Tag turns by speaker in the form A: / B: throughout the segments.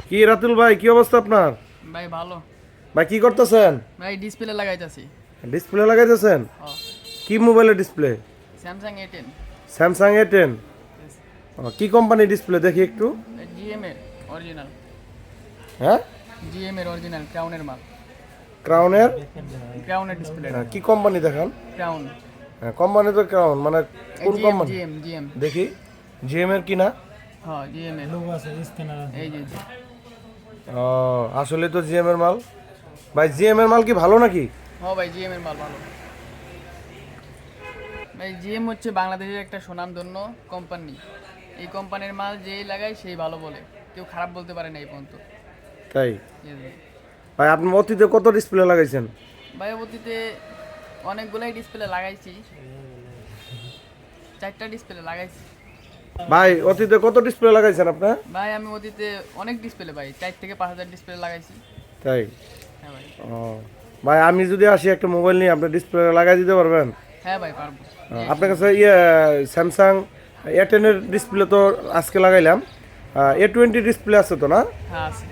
A: কি রাতুল ভাই, কি অবস্থা আপনার?
B: ভাই ভালো।
A: ভাই কি করতেছেন?
B: ভাই ডিসপ্লে লাগাইতাছি।
A: ডিসপ্লে লাগাইতেছেন?
B: ও
A: কি মোবাইলের display?
B: Samsung A10।
A: Samsung A10। কি কোম্পানি ডিসপ্লে দেখি একটু।
B: জিএম এর অরিজিনাল।
A: হ্যাঁ,
B: জিএম এর অরিজিনাল ক্রাউনের মাল।
A: ক্রাউনের?
B: ক্রাউনের ডিসপ্লে।
A: কি কোম্পানি দেখান।
B: ক্রাউন।
A: হ্যাঁ, কোম্পানি তো ক্রাউন, মানে কোন কোম্পানি?
B: GM GM.
A: দেখি জিএম এর কিনা।
B: হ্যাঁ জিএম এর লোগো আছে স্ক্যানার আছে এই যে।
A: ও, আসলে তো জিএম এর মাল। ভাই জিএম এর মাল কি ভালো নাকি?
B: হ্যাঁ ভাই জিএম এর মাল ভালো। ভাই জিএম হচ্ছে বাংলাদেশের একটা সুনামধন্য কোম্পানি। এই কোম্পানির মাল যেই লাগায় সেই ভালো বলে, কেউ খারাপ বলতে পারে না এই পর্যন্ত।
A: তাই?
B: Yes ভাই।
A: ভাই আপনি অতীতে কত ডিসপ্লে লাগাইছেন?
B: ভাই অতীতে অনেকগুলাই ডিসপ্লে লাগাইছি, 4টা ডিসপ্লে লাগাইছি।
A: ভাই অতীতে কত ডিসপ্লে লাগাইছেন আপনি?
B: ভাই আমি অতীতে অনেক ডিসপ্লে ভাই 4 থেকে 5,000 ডিসপ্লে লাগাইছি।
A: তাই?
B: হ্যাঁ ভাই।
A: ও ভাই, আমি যদি আসি একটা মোবাইল নিয়ে, আপনি ডিসপ্লে লাগাই দিতে পারবেন?
B: হ্যাঁ ভাই পারবো।
A: আপনার কাছে স্যামসাং A10 এর ডিসপ্লে তো আজকে লাগাইলাম, A20 ডিসপ্লে আছে তো না?
B: হ্যাঁ আছে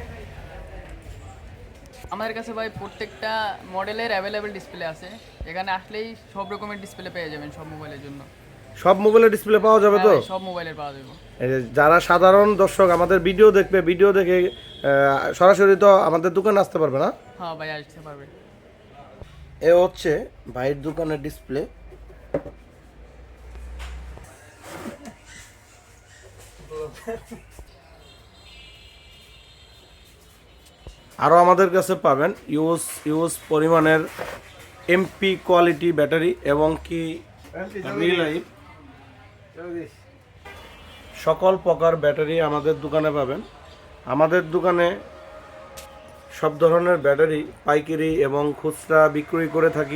B: আমাদের কাছে ভাই, প্রত্যেকটা মডেলের অ্যাভেলেবেল ডিসপ্লে আছে। এখানে আসলেই সব রকমের ডিসপ্লে পেয়ে যাবেন সব মোবাইলের জন্য।
A: সব মোবাইলের ডিসপ্লে পাওয়া যাবে
B: হ্যাঁ
A: তো?
B: ভাই, সব মোবাইলের পাওয়া যাবে।
A: এই যে যারা সাধারণ দর্শক আমাদের ভিডিও দেখবে, ভিডিও দেখে সরাসরি তো আমাদের দোকানে আসতে পারবে না?
B: হ্যাঁ ভাই আসতে পারবে।
A: এ হচ্ছে ভাইয়ের দোকানের ডিসপ্লে। আরও আমাদের কাছে পাবেন ইউজ পরিমাণের এমপি কোয়ালিটি ব্যাটারি এবং কি রিলাইভ সকল প্রকার ব্যাটারি আমাদের দোকানে পাবেন। আমাদের দোকানে সব ধরনের ব্যাটারি পাইকারি এবং খুচরা বিক্রয় করে থাকি।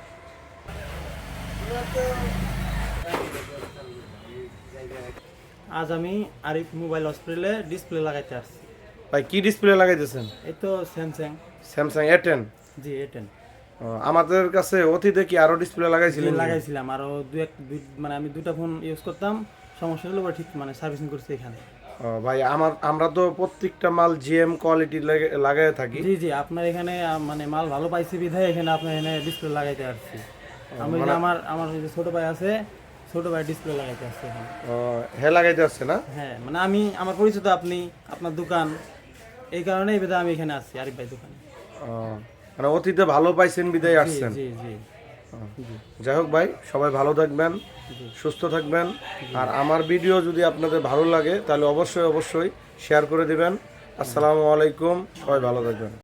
C: আজ আমি আরিফ মোবাইল হসপিটালে ডিসপ্লে লাগাইতে আসছি।
A: ভাই কি ডিসপ্লে লাগাইতেছেন?
C: এই তো স্যামসাং।
A: Samsung A10।
C: জি A10
A: আমাদের কাছে অতীতে কি আরো ডিসপ্লে লাগাইছিলেন?
C: লাগাইছিলাম আরো মানে আমি দুটা ফোন ইউজ করতাম, সমস্যা হলো ঠিক মানে সার্ভিসিং করছি এখানে।
A: ভাই আমরা তো প্রত্যেকটা মাল জিএম কোয়ালিটি লাগাই থাকি।
C: জি জি, আপনার এখানে মানে মাল ভালো পাইছি বিধায় এখানে আপনার এখানে ডিসপ্লে লাগাইতে আসছি। আমি
A: মানে
C: আমার যে ছোট ভাই আছে, ছোট ভাই ডিসপ্লে লাগাইতে আসছে এখানে।
A: হ্যাঁ, লাগাইতে আসছে না?
C: হ্যাঁ মানে আমি আমার পরিচিত, আপনি আপনার দোকান, এই কারণে এই বিধায় আমি এখানে আসছি আরিফ ভাই দোকানে।
A: মানে অতীতে ভালো পাইছেন বিদায়
C: জি
A: আসছেন।
C: জি জি জি।
A: যাই হোক ভাই, সবাই ভালো থাকবেন, সুস্থ থাকবেন। আর আমার ভিডিও যদি আপনাদের ভালো লাগে তাহলে অবশ্যই শেয়ার করে দিবেন। আসসালামু আলাইকুম, সবাই ভালো থাকবেন।